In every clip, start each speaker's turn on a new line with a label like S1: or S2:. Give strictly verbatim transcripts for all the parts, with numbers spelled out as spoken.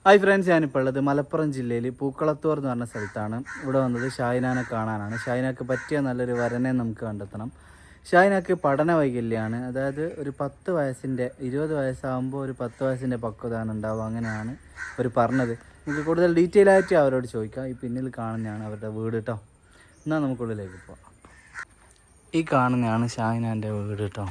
S1: Hi friends, ഞാനിപ്പോൾ ഉള്ളത് മലപ്പുറം ജില്ലയിൽ പൂക്കളത്തൂർ എന്ന് പറഞ്ഞ സ്ഥലത്താണ്. ഇവിടെ വന്നത് ഷാഹിനാനെ കാണാനാണ്. ഷാഹിനാക്ക് പറ്റിയ നല്ലൊരു വരനെ നമുക്ക് കണ്ടെത്തണം. ഷാഹിനാക്ക് പഠന വൈകല്യമാണ്. അതായത് ഒരു പത്ത് വയസ്സിൻ്റെ ഇരുപത് വയസ്സാകുമ്പോൾ ഒരു പത്ത് വയസ്സിൻ്റെ പക്വതാണ് ഉണ്ടാവുക. അങ്ങനെയാണ് അവർ പറഞ്ഞത്. നമുക്ക് കൂടുതൽ ഡീറ്റെയിൽ ആയിട്ട് അവരോട് ചോദിക്കാം. ഈ പിന്നിൽ കാണുന്നതാണ് അവരുടെ വീട് കേട്ടോ. എന്നാൽ നമുക്കുള്ളിലേക്ക് പോവാം. ഈ കാണുന്നതാണ് ഷാഹിനാൻ്റെ വീട് കേട്ടോ.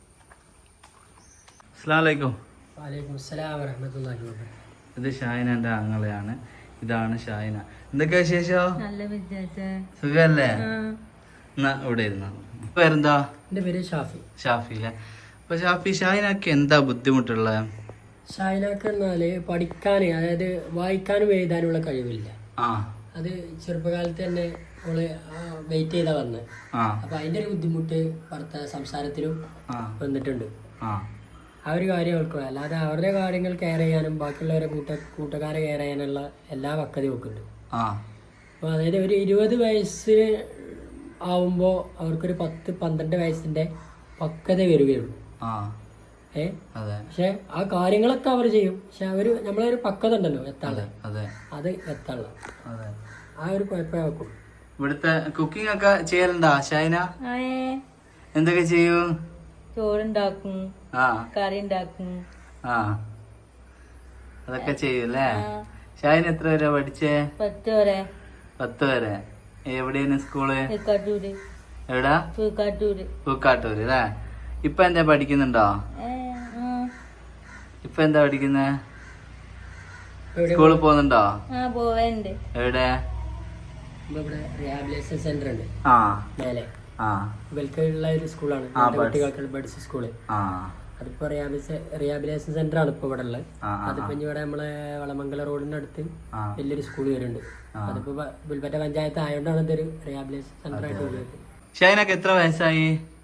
S1: അസ്സലാമു അലൈക്കും.
S2: വലൈക്കും അസ്സലാം വറഹ്മത്തുള്ളാഹി വബറകാതുഹു.
S1: ഇത് ഷാഹിനാന്റെ ആങ്ങളെയാണ്. ഇതാണ് ഷാഹിന. എന്തൊക്കെയാ വിശേഷം? സുഖല്ലേ? എന്നാ ഇവിടെ ഇരുന്ന പേരെന്താ?
S2: എൻ്റെ പേര് ഷാഫി.
S1: ഷാഫി അല്ലേ? അപ്പൊ ഷാഫി, ഷാഹിനാക്ക് എന്താ ബുദ്ധിമുട്ടുള്ളത്?
S2: ഷാഹിനാക്ക് എന്നാല് പഠിക്കാൻ, അതായത് വായിക്കാനും എഴുതാനുള്ള കഴിവില്ല.
S1: ആ
S2: അത് ചെറുപ്പകാലത്ത് തന്നെ അവള് വെയിറ്റ് ചെയ്താ വന്നത്. അപ്പൊ അതിന്റെ ഒരു ബുദ്ധിമുട്ട് ഭർത്ത സംസാരത്തിലും വന്നിട്ടുണ്ട്. ആ ഒരു കാര്യം അവൾക്കുള്ള, അല്ലാതെ അവരുടെ കാര്യങ്ങൾ കെയർ ചെയ്യാനും ബാക്കിയുള്ളവരെ കൂട്ട കൂട്ടുകാരെ കെയർ ചെയ്യാനുള്ള എല്ലാ പക്വതയും ഒക്കെയുണ്ട്. അപ്പോൾ അതായത് ഒരു ഇരുപത് വയസ്സിന് ആവുമ്പോൾ അവർക്കൊരു പത്ത് പന്ത്രണ്ട് വയസ്സിന്റെ പക്വത വരികയുള്ളൂ. ഏ പക്ഷെ ആ കാര്യങ്ങളൊക്കെ അവർ ചെയ്യും. പക്ഷെ അവര് നമ്മളൊരു പക്വത ഉണ്ടല്ലോ എത്താനുള്ള, അത് എത്താനുള്ള ആ ഒരു കുഴപ്പമേ വെക്കും.
S1: ഇവിടുത്തെ കുക്കിംഗ് ഒക്കെ ചെയ്യലുണ്ടോ ഷാഹിന? എന്തൊക്കെ ചെയ്യും?
S3: ചോറുണ്ടാക്കും, കറി ഉണ്ടാക്കും.
S1: ആ അതൊക്കെ ചെയ്യൂല്ലേ? ഷാഹിന എത്ര വരെ പഠിച്ചേ?
S3: പത്ത് വരെ.
S1: പത്ത് വരെ. എവിടെയാണ് സ്കൂള്?
S3: പൂക്കാട്ടൂര്.
S1: എവിടാ?
S3: പൂക്കാട്ടൂര്.
S1: പൂക്കാട്ടൂര് അല്ലേ? ഇപ്പൊ എന്താ പഠിക്കുന്നുണ്ടോ? ഇപ്പൊ എന്താ പഠിക്കുന്നേ? സ്കൂളിൽ പോകുന്നുണ്ടോ?
S3: ആ പോവാനുണ്ട്.
S1: എവിടെ?
S2: റിഹാബിലിറ്റേഷൻ സെന്റർ ഉണ്ട്
S1: ആ
S2: മേലെ. ഇവൽക്കുള്ള ഒരു സ്കൂളാണ്, കുട്ടികൾക്കുള്ള ബഡ്സ് സ്കൂള്. അതിപ്പോ റിഹാബിലിറ്റേഷൻ സെന്റർ ആണ് ഇപ്പൊ ഇവിടെ ഉള്ളത്. അതിപ്പോ ഇവിടെ നമ്മളെ വളമംഗല റോഡിന്റെ അടുത്ത് വലിയൊരു സ്കൂൾ വരുന്നുണ്ട്. അതിപ്പോ പുൽപ്പറ്റ പഞ്ചായത്ത് ആയതുകൊണ്ടാണ് ഇതൊരു റിഹാബിലിറ്റേഷൻ സെന്റർ ആയിട്ട് വരുന്നത്.
S1: ഷാഹിനക്ക് എത്ര വയസ്സായി?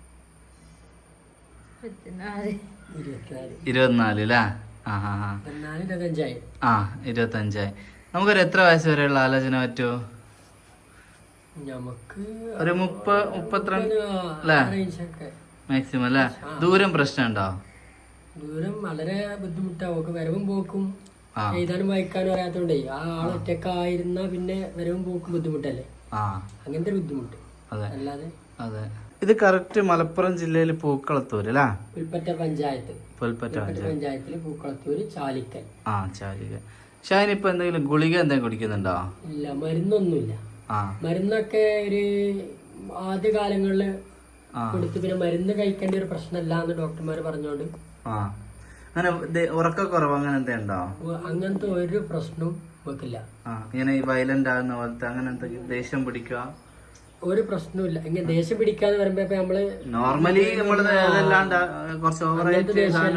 S1: ഇരുപത്തിനാല് അല്ലേ?
S2: ഇരുപത്തഞ്ചായി.
S1: ആ ഇരുപത്തഞ്ചായി. നമുക്കൊരു എത്ര വയസ്സ് വരെയുള്ള ആലോചന പറ്റുമോ?
S2: നമുക്ക്
S1: ഒരു മുപ്പത് മുപ്പത്തിരണ്ട് അല്ലേ മാക്സിമം അല്ലേ? ദൂരം പ്രശ്നമുണ്ടോ?
S2: ദൂരം വളരെ ബുദ്ധിമുട്ടാവും. വരവും പോക്കും എഴുതാനും വായിക്കാനും അറിയാത്തോണ്ടേ ആ ആൾ ഒറ്റക്കായിരുന്ന പിന്നെ വരവും പോക്കും ബുദ്ധിമുട്ടല്ലേ? അങ്ങനത്തെ ഒരു ബുദ്ധിമുട്ട് അല്ലാതെ.
S1: അതെ. ഇത് കറക്റ്റ് മലപ്പുറം ജില്ലയിൽ പൂക്കളത്തൂര് അല്ലേ?
S2: പുൽപ്പറ്റ പഞ്ചായത്ത്.
S1: പുൽപ്പറ്റ
S2: പഞ്ചായത്തില് പൂക്കളത്തൂര് ചാലിക്കൽ. ആ
S1: ചാലിക്കൽ. ഷാഹിൻ ഇപ്പൊ എന്തെങ്കിലും ഗുളിക എന്തെങ്കിലും കുടിക്കുന്നുണ്ടോ?
S2: ഇല്ല, മരുന്നൊന്നുമില്ല. മരുന്നൊക്കെ ഒരു ആദ്യ കാലങ്ങളില് കൊടുത്ത് പിന്നെ മരുന്ന് കഴിക്കേണ്ട ഒരു പ്രശ്നമല്ല എന്ന് ഡോക്ടർമാര് പറഞ്ഞോണ്ട്
S1: ഉറക്കക്കുറവ് അങ്ങനെ എന്തെയുണ്ടോ?
S2: അങ്ങനത്തെ ഒരു പ്രശ്നവും വെക്കില്ല.
S1: ഇങ്ങനെ വയലന്റ് ആകുന്ന പോലത്തെ അങ്ങനത്തെ ദേഷ്യം പിടിക്കുക
S2: ഒരു പ്രശ്നമില്ല. ഇങ്ങനെ ദേഷ്യം പിടിക്കാന്ന് പറയുമ്പോ ഇപ്പൊ നമ്മള്
S1: നോർമലി നമ്മള് കുറച്ച് ഓവറായിട്ട്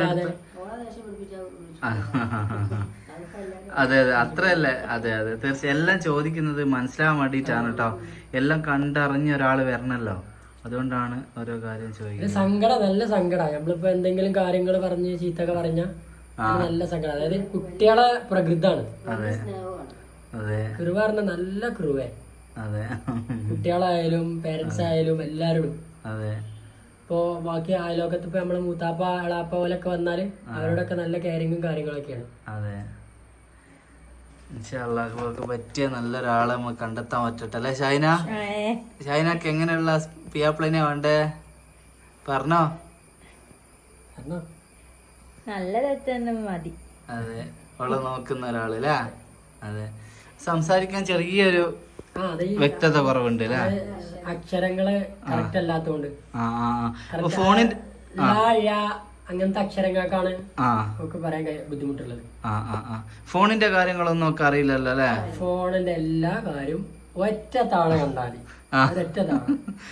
S1: അതെ അതെ അത്രയല്ലേ? അതെ അതെ തീർച്ചയായും. എല്ലാം ചോദിക്കുന്നത് മനസ്സിലാവാൻ വേണ്ടിയിട്ടാണ് കേട്ടോ. എല്ലാം കണ്ടറിഞ്ഞ ഒരാള് വരണല്ലോ, അതുകൊണ്ടാണ് ഓരോ കാര്യം ചോദിക്കുന്നത്.
S2: സങ്കടം, നല്ല സങ്കടം. നമ്മളിപ്പോ എന്തെങ്കിലും കാര്യങ്ങൾ പറഞ്ഞ് ചീത്തൊക്കെ പറഞ്ഞ നല്ല സങ്കടം. അതായത് കുട്ടികളെ പ്രകൃതാണ്.
S1: അതെ അതെ.
S2: കുരുവ പറഞ്ഞ നല്ല കുരുവേ.
S1: അതെ.
S2: കുട്ടികളായാലും പേരൻസ് ആയാലും എല്ലാവരോടും.
S1: അതെ.
S2: ഇപ്പോ ബാക്കി അയലോകത്ത് ഇപ്പൊ നമ്മള് മൂത്താപ്പ എളാപ്പ പോലൊക്കെ വന്നാല് അവരോടൊക്കെ നല്ല കെയറിങ്ങും കാര്യങ്ങളൊക്കെയാണ്.
S1: അതെ. ഇൻഷാല്ലാഹ് പറ്റിയ നല്ലൊരാളെ നമുക്ക് കണ്ടെത്താൻ പറ്റട്ടെ അല്ലെ ഷാഹിന? ഷാഹിനക്ക് എങ്ങനെയുള്ള പിയാപ്ലനെ വേണ്ടേ പറഞ്ഞോ?
S3: നല്ല മതി.
S1: അതെ, ഉള്ള നോക്കുന്ന ഒരാള് അല്ലേ? അതെ. സംസാരിക്കാൻ ചെറിയൊരു വ്യക്തത കുറവുണ്ട് അല്ലേ?
S2: അക്ഷരങ്ങള് കറക്റ്റ് അല്ലാത്തോണ്ട്
S1: ഫോണിന്റെ
S2: അങ്ങനത്തെ അക്ഷരങ്ങൾക്കാണ് നമുക്ക് പറയാൻ ബുദ്ധിമുട്ടുള്ളത്.
S1: ഫോണിന്റെ കാര്യങ്ങളൊന്നും ഒക്കെ അറിയില്ലല്ലോ അല്ലെ?
S2: ഫോണിന്റെ എല്ലാ കാര്യവും ഒറ്റ താള കണ്ടാല് ഒറ്റ താള.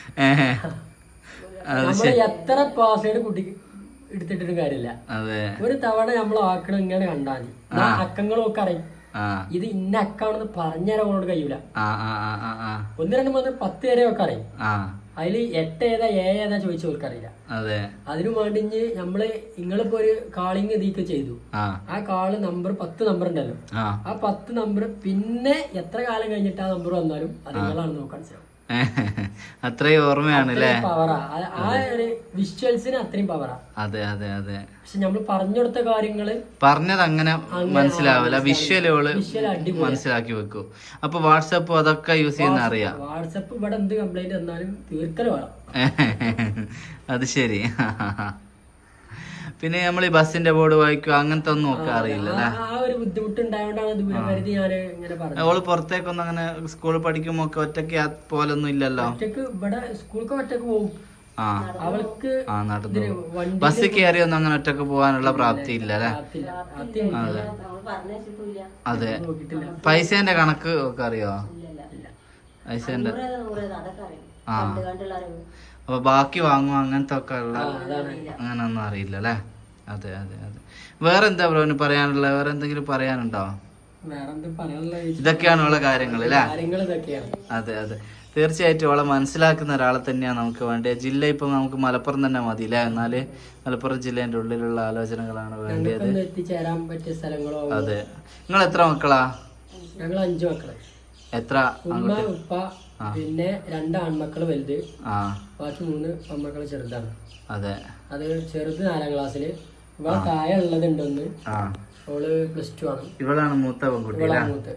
S2: നമ്മള് എത്ര പാസ്വേഡ് കുട്ടി എടുത്തിട്ടൊരു കാര്യമില്ല. ഒരു തവണ നമ്മൾ ആക്കണം ഇങ്ങനെ കണ്ടാല് അക്കങ്ങളും ഒക്കെ അറിയും. ഇത് ഇന്ന അക്കാണെന്ന് പറഞ്ഞുതരാൻ കൊണ്ട് കഴിയൂല. ഒന്ന് രണ്ട് മൂന്ന് പത്ത് വരെ ഒക്കെ അറിയും. അതില് എട്ട് ഏതാ ഏ ഏതാ ചോദിച്ചു കൊടുക്കറിയില്ല. അതിനു വേണ്ടി നമ്മള് നിങ്ങളിപ്പോ ഒരു കാളിങ് ഇതിക്ക് ചെയ്തു. ആ കാള് നമ്പർ പത്ത് നമ്പർ ഉണ്ടല്ലോ, ആ പത്ത് നമ്പർ പിന്നെ എത്ര കാലം കഴിഞ്ഞിട്ട് ആ നമ്പർ വന്നാലും അത് നിങ്ങളാണ് നോക്കാൻ ശ്രമം.
S1: അത്രയും ഓർമ്മയാണ് അല്ലേ?
S2: പവറാ ആ ഒരു വിഷ്വൽസിന് അത്രയും പവറാ.
S1: അതെ അതെ അതെ.
S2: പക്ഷെ നമ്മൾ പറഞ്ഞു കൊടുത്ത കാര്യങ്ങള്
S1: പറഞ്ഞത് അങ്ങനെ മനസ്സിലാവില്ല, വിഷ്വലുകള്
S2: വിഷ്വൽ അടിപൊളി
S1: മനസ്സിലാക്കി വെക്കും. അപ്പൊ വാട്സപ്പ് അതൊക്കെ യൂസ് ചെയ്യുന്ന അറിയാം.
S2: വാട്സപ്പ് ഇവിടെ എന്ത് കംപ്ലൈന്റ് വന്നാലും തീർക്കൽ വേണം.
S1: അത് ശരി. പിന്നെ നമ്മൾ ഈ ബസ്സിന്റെ ബോർഡ് വായിക്കുക അങ്ങനത്തെ ഒന്നും ഒക്കെ അറിയില്ല അല്ലേ?
S2: ആ ഒരു ബുദ്ധിമുട്ടുണ്ടായോണ്ടാണ് ദൂരപരിധി ഞാൻ ഇങ്ങനെ പറഞ്ഞത്.
S1: അവള് പുറത്തേക്കൊന്നും അങ്ങനെ സ്കൂളിൽ പഠിക്കുമ്പോ ഒക്കെ ഒറ്റയ്ക്ക് പോലൊന്നും ഇല്ലല്ലോ?
S2: ഒറ്റക്ക് ഇവിടെ സ്കൂൾക്ക് ഒറ്റക്ക് പോകും.
S1: ആ
S2: അവൾക്ക്
S1: ആ നടന്നു ബസ് കയറി ഒന്നും അങ്ങനെ ഒറ്റക്ക് പോകാനുള്ള പ്രാപ്തി ഇല്ല അല്ലെ? അതെ അതെ. പൈസേന്റെ കണക്ക് ഒക്കെ അറിയോ? പൈസേന്റെ ആ അപ്പൊ ബാക്കി വാങ്ങും അങ്ങനത്തെ ഒക്കെ ഉള്ള അങ്ങനെ ഒന്നും അറിയില്ല അല്ലെ? അതെ അതെ അതെ. വേറെന്താ ബ്രോന് പറയാനുള്ള? വേറെ എന്തെങ്കിലും പറയാനുണ്ടോ? ഇതൊക്കെയാണ് ഉള്ള കാര്യങ്ങൾ അല്ലേ? അതെ അതെ. തീർച്ചയായിട്ടും അവളെ മനസ്സിലാക്കുന്ന ഒരാളെ തന്നെയാണ് നമുക്ക് വേണ്ടത്. ജില്ല ഇപ്പൊ നമുക്ക് മലപ്പുറം തന്നെ മതി അല്ലേ? എന്നാല് മലപ്പുറം ജില്ലേന്റെ ഉള്ളിലുള്ള ആലോചനകളാണ് വേണ്ടത്.
S2: എത്തിച്ചേരാൻ പറ്റിയ സ്ഥലങ്ങളോ?
S1: അതെ. നിങ്ങൾ എത്ര മക്കളാ?
S2: ഞങ്ങൾ അഞ്ചു മക്കള്.
S1: എത്ര?
S2: ഉമ്മ ഉപ്പ പിന്നെ രണ്ട് ആൺമക്കള് വലുത്, ബാക്കി മൂന്ന് പെൺമക്കള് ചെറുതാണ്.
S1: അതെ. അത്
S2: ചെറുത് നാലാം ക്ലാസ്സില്. ഇവിടെ താഴെ ഉള്ളതുണ്ടൊന്ന്, അവള് പ്ലസ് ടു ആണ്.
S1: ഇവളാണ് മൂത്ത പെൺകുട്ടി.
S2: ഇവളാണ് മൂത്ത്.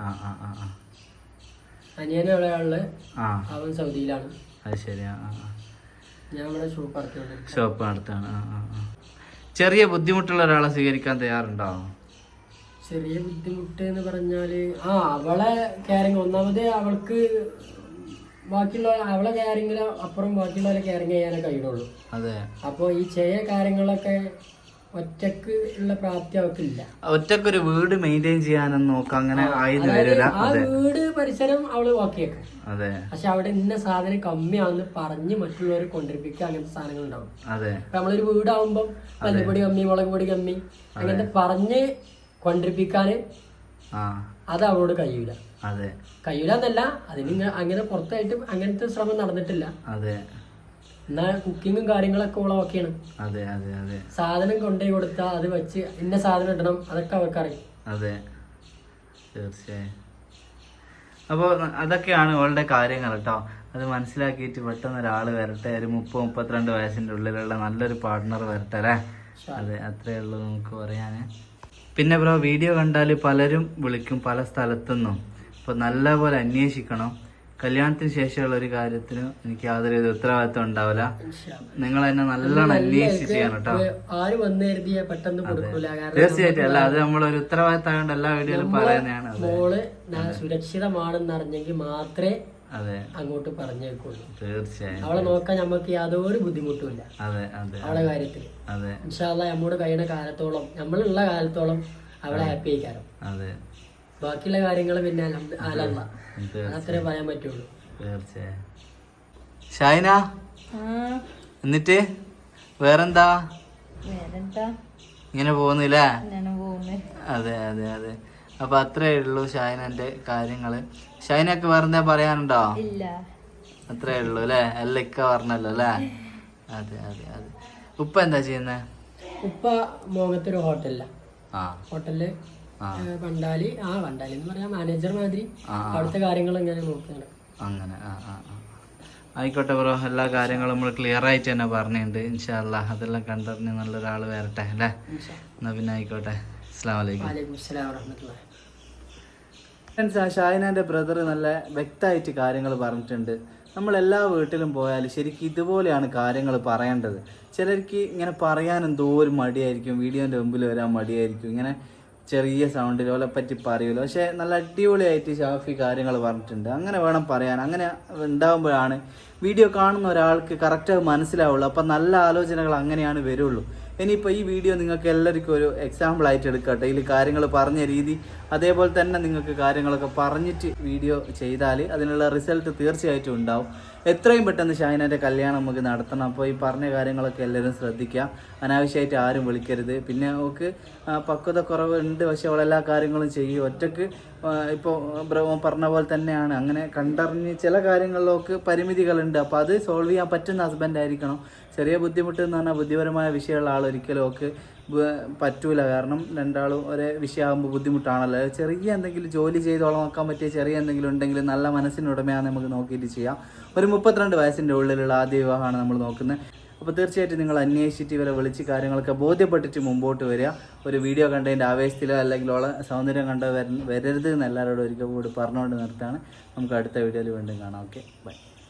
S2: അനിയനെ എവിടെയുള്ള അവൻ സൗദിയിലാണ്.
S1: അത് ശരി.
S2: ഞാൻ ഇവിടെ ഷോപ്പ് നടത്തുന്നുണ്ട്.
S1: ഷോപ്പ് നടത്താണ്. ചെറിയ ബുദ്ധിമുട്ടുള്ള ഒരാളെ സ്വീകരിക്കാൻ തയ്യാറുണ്ടോ?
S2: ചെറിയ ബുദ്ധിമുട്ട് എന്ന് പറഞ്ഞാല് ആ അവളെ കെയറിങ്, ഒന്നാമത് അവൾക്ക് ബാക്കിയുള്ള അവളെ കെയറിങ്ങിന് അപ്പുറം ബാക്കിയുള്ളവരെ കെയറിങ് ചെയ്യാനേ കഴിയുള്ളൂ.
S1: അതെ.
S2: അപ്പൊ ഈ ചെറിയ കാര്യങ്ങളൊക്കെ ഒറ്റക്ക് ഉള്ള പ്രാപ്തി അവൾക്കില്ല.
S1: ഒറ്റക്കൊരു വീട് മെയിൻറ്റെയിൻ ചെയ്യാനൊന്നും നോക്കാം അങ്ങനെ ആയിരുന്നു വരില്ല.
S2: ആ വീട് പരിസരം അവള് വാക്കിയേക്കും.
S1: അതെ.
S2: പക്ഷെ അവിടെ ഇന്ന സാധനം കമ്മിയാണെന്ന് പറഞ്ഞ് മറ്റുള്ളവരെ കൊണ്ടിരിപ്പിക്കുക അങ്ങനത്തെ സാധനങ്ങൾ ഉണ്ടാവും.
S1: അതെ.
S2: നമ്മളൊരു വീടാവുമ്പം മല്ലിപ്പൊടി കമ്മി, മുളക് പൊടി കമ്മി അങ്ങനത്തെ പറഞ്ഞ് കൊണ്ടിരിപ്പിക്കാന് അത് അവളോട് കഴിയൂല.
S1: അതെ.
S2: കഴിയൂല എന്നല്ല, അതിന് അങ്ങനെ പുറത്തായിട്ട് അങ്ങനത്തെ ശ്രമം നടന്നിട്ടില്ല.
S1: അതെ.
S2: എന്നാ കുക്കിങ്ങും കാര്യങ്ങളൊക്കെ ഉള്ള ഓക്കെയാണ്.
S1: അതെ അതെ അതെ.
S2: സാധനം കൊണ്ടുപോയി കൊടുത്താൽ അത് വെച്ച് ഇന്ന സാധനം ഇടണം, അതൊക്കെ അവർക്കറിയും.
S1: അതെ തീർച്ചയായും. അപ്പോൾ അതൊക്കെയാണ് അവളുടെ കാര്യങ്ങൾ കേട്ടോ. അത് മനസ്സിലാക്കിയിട്ട് പെട്ടെന്ന് ഒരാൾ വരട്ടെ, ഒരു മുപ്പത് മുപ്പത്തിരണ്ട് വയസ്സിൻ്റെ ഉള്ളിലുള്ള നല്ലൊരു പാർട്ട്ണർ വരട്ടെ അല്ലേ? അതെ, അത്രയേ ഉള്ളൂ നമുക്ക് പറയാൻ. പിന്നെ ബ്രോ, വീഡിയോ കണ്ടാൽ പലരും വിളിക്കും പല സ്ഥലത്തുനിന്നും. അപ്പോൾ നല്ലപോലെ അന്വേഷിക്കണം. കല്യാണത്തിന് ശേഷമുള്ള ഒരു കാര്യത്തിന് എനിക്ക് യാതൊരു ഉത്തരവാദിത്വം ഉണ്ടാവില്ല. നിങ്ങൾ തന്നെ നല്ലോണം അന്വേഷിച്ച് ചെയ്യണം കേട്ടോ. തീർച്ചയായിട്ടും. അല്ല, അത് നമ്മളൊരു ഉത്തരവാദിത്തം എല്ലാ വീഡിയോയിലും പറയുന്നതാണ്.
S2: മോള് സുരക്ഷിതമാണെന്ന് അറിഞ്ഞെങ്കിൽ മാത്രമേ
S1: അതെ
S2: അങ്ങോട്ട് പറഞ്ഞേക്കുള്ളൂ.
S1: തീർച്ചയായും.
S2: അവളെ നോക്കാൻ നമുക്ക് യാതൊരു ബുദ്ധിമുട്ടുമില്ല.
S1: അതെ അതെ.
S2: അവളെ കാര്യത്തില്
S1: അതെ
S2: ഇൻഷാ അല്ലാഹ് നമ്മോട് കഴിയുന്ന കാലത്തോളം, നമ്മളുള്ള കാലത്തോളം അവളെ ഹാപ്പി ആയിക്കാരം.
S1: അതെ.
S2: ബാക്കിയുള്ള കാര്യങ്ങൾ പിന്നെ അലല്ല, അത്രേ പറയാൻ പറ്റുള്ളൂ.
S1: തീർച്ചയായും. ഷൈന, എന്നിട്ട് വേറെന്താ? ഇങ്ങനെ പോകുന്നില്ലേ? അതെ അതെ അതെ. അപ്പൊ അത്രേ ഉള്ളൂ ഷൈനന്റെ കാര്യങ്ങള്. ഷൈനക്ക് വേറെന്താ പറയാനുണ്ടോ? അത്രേ ഉള്ളൂ അല്ലേ? എല്ലാം ഇക്ക പറഞ്ഞല്ലോ അല്ലേ? അതെ അതെ അതെ. ഉപ്പ എന്താ ചെയ്യുന്നേ?
S2: ഉപ്പ മോങ്ങത്തൊരു ഹോട്ടലില്ല, ഹോട്ടലില് പണ്ടാലി ആ പണ്ടാലി എന്ന് പറയാ മാനേജർ മാതിരി അവിടുത്തെ കാര്യങ്ങൾ ഇങ്ങനെ നോക്കുകയാണ്. അങ്ങനെ. ആ ആ
S1: ആയിക്കോട്ടെ ബ്രോ, എല്ലാ കാര്യങ്ങളും നമ്മൾ ക്ലിയർ ആയിട്ട് തന്നെ പറഞ്ഞിട്ടുണ്ട്. ഇൻഷാ അല്ലാഹ് അതെല്ലാം കണ്ടറിഞ്ഞ് നല്ലൊരാൾ വരട്ടെ അല്ലേ? എന്നാ പിന്നെ ആയിക്കോട്ടെ. അസ്സലാമു അലൈക്കും.
S2: വഅലൈക്കും അസ്സലാം വറഹ്മത്തുള്ളാഹി.
S1: ഷാഹിനാൻ്റെ ബ്രദർ നല്ല വ്യക്തമായിട്ട് കാര്യങ്ങൾ പറഞ്ഞിട്ടുണ്ട്. നമ്മളെല്ലാ വീട്ടിലും പോയാൽ ശരിക്കും ഇതുപോലെയാണ് കാര്യങ്ങൾ പറയേണ്ടത്. ചിലർക്ക് ഇങ്ങനെ പറയാൻ എന്തോ ഒരു മടിയായിരിക്കും, വീഡിയോൻ്റെ മുമ്പിൽ വരാൻ മടിയായിരിക്കും, ഇങ്ങനെ ചെറിയ സൗണ്ടിൽ ഓലെ പറ്റി പറയുമല്ലോ. പക്ഷേ നല്ല അടിപൊളിയായിട്ട് ഷാഫി കാര്യങ്ങൾ പറഞ്ഞിട്ടുണ്ട്. അങ്ങനെ വേണം പറയാൻ. അങ്ങനെ ഉണ്ടാകുമ്പോഴാണ് വീഡിയോ കാണുന്ന ഒരാൾക്ക് കറക്റ്റ് മനസ്സിലാവുള്ളൂ. അപ്പം നല്ല ആലോചനകൾ അങ്ങനെയാണ് വരുള്ളൂ. ഇനിയിപ്പോൾ ഈ വീഡിയോ നിങ്ങൾക്ക് എല്ലാവർക്കും ഒരു എക്സാമ്പിൾ ആയിട്ട് എടുക്കട്ടെ. ഇതിൽ കാര്യങ്ങൾ പറഞ്ഞ രീതി അതേപോലെ തന്നെ നിങ്ങൾക്ക് കാര്യങ്ങളൊക്കെ പറഞ്ഞിട്ട് വീഡിയോ ചെയ്താൽ അതിനുള്ള റിസൾട്ട് തീർച്ചയായിട്ടും ഉണ്ടാവും. എത്രയും പെട്ടെന്ന് ഷൈനൻ്റെ കല്യാണം നമുക്ക് നടത്തണം. അപ്പോൾ ഈ പറഞ്ഞ കാര്യങ്ങളൊക്കെ എല്ലാവരും ശ്രദ്ധിക്കുക. അനാവശ്യമായിട്ട് ആരും വിളിക്കരുത്. പിന്നെ അവൾക്ക് പക്വത കുറവുണ്ട്, പക്ഷെ അവളെല്ലാ കാര്യങ്ങളും ചെയ്യും. ഒറ്റക്ക് ഇപ്പോൾ പറഞ്ഞ പോലെ തന്നെയാണ്. അങ്ങനെ കണ്ടറിഞ്ഞ് ചില കാര്യങ്ങളിലൊക്കെ പരിമിതികളുണ്ട്. അപ്പോൾ അത് സോൾവ് ചെയ്യാൻ പറ്റുന്ന ഹസ്ബൻഡ് ആയിരിക്കണം. ചെറിയ ബുദ്ധിമുട്ട് എന്ന് പറഞ്ഞാൽ ബുദ്ധിപരമായ വിഷയമുള്ള ആൾ ഒരിക്കലും ഒക്കെ പറ്റൂല. കാരണം രണ്ടാളും ഒരേ വിഷയമാകുമ്പോൾ ബുദ്ധിമുട്ടാണല്ലോ. ചെറിയ എന്തെങ്കിലും ജോലി ചെയ്തോളം നോക്കാൻ പറ്റിയ ചെറിയ എന്തെങ്കിലും ഉണ്ടെങ്കിൽ നല്ല മനസ്സിനുടമയാണ് നമുക്ക് നോക്കിയിട്ട് ചെയ്യാം. ഒരു മുപ്പത്തിരണ്ട് വയസ്സിൻ്റെ ഉള്ളിലുള്ള ആദ്യ വിവാഹമാണ് നമ്മൾ നോക്കുന്നത്. അപ്പോൾ തീർച്ചയായിട്ടും നിങ്ങൾ അന്വേഷിച്ചിട്ട് ഇവരെ വിളിച്ച് കാര്യങ്ങളൊക്കെ ബോധ്യപ്പെട്ടിട്ട് മുമ്പോട്ട് വരിക. ഒരു വീഡിയോ കണ്ടതിൻ്റെ ആവേശത്തിലോ അല്ലെങ്കിൽ ഓളെ സൗന്ദര്യം കണ്ടോ വരരുത് എന്ന് എല്ലാവരോടും ഒരിക്കൽ കൂടി പറഞ്ഞുകൊണ്ട് നിർത്താണ്. നമുക്ക് അടുത്ത വീഡിയോയിൽ വീണ്ടും കാണാം. Okay, by.